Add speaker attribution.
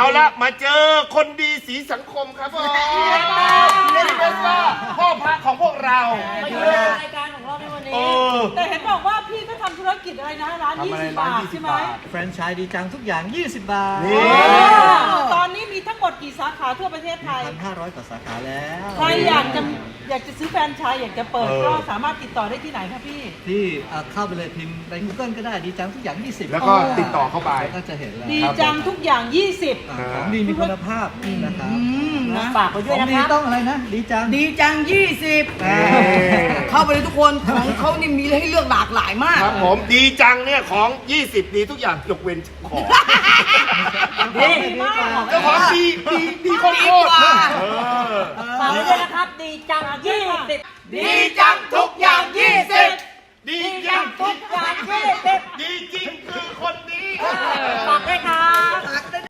Speaker 1: ละมาเจอคนดีสีสังคมครับผมนี่เป็นว่าพ่อพระของพวกเรา
Speaker 2: มาอยู่ในรายการของเราในวันนี้แต่เห็นบอกว่าพี่ก็ทำธุรกิจอะไรนะร้าน20 บาทใช่ไหม
Speaker 3: แฟรนไชส์ดีจังทุกอย่าง20 บาท
Speaker 2: ตอนนี้มีทั้งหมดกี่สาขาทั่วประเทศไทย
Speaker 3: 1,500 กว่าสาขาแล้ว
Speaker 2: ใครอยากจะซื้อแฟรนไชส์อยากจะเปิดก็สามารถติดต่อได้ที่ไหนครับพี่
Speaker 3: ที่เข้าไปเลยพิมพ์ใน Google ก็ได้ดีจังทุกอย่าง20
Speaker 1: แล้วก็ติดต่อเข้าไป
Speaker 3: ก็จะเห็นแล้ว
Speaker 2: ดีจังทุกอย่าง20
Speaker 3: ของดีมีคุณภาพนะครับ
Speaker 2: ฝากไปด้วยนะครับ
Speaker 3: ของดีต้องอะไรนะดีจัง
Speaker 2: 20เข้าไปเลยทุกคนของเขานี่มีให้เลือกหลากหลายมาก
Speaker 1: ครับผมดีจังเนี่ยของ20ดีทุกอย่างยกเว้นของ
Speaker 2: ดีมาก
Speaker 1: เจ้าของดีโคตร
Speaker 2: ฝากไว้ด้วยนะครับดีจัง20
Speaker 1: ดีจังทุกอย่าง20ดีจังทุกอย่าง20ดีจริงคือคนดี
Speaker 2: ฝากด้วยครับ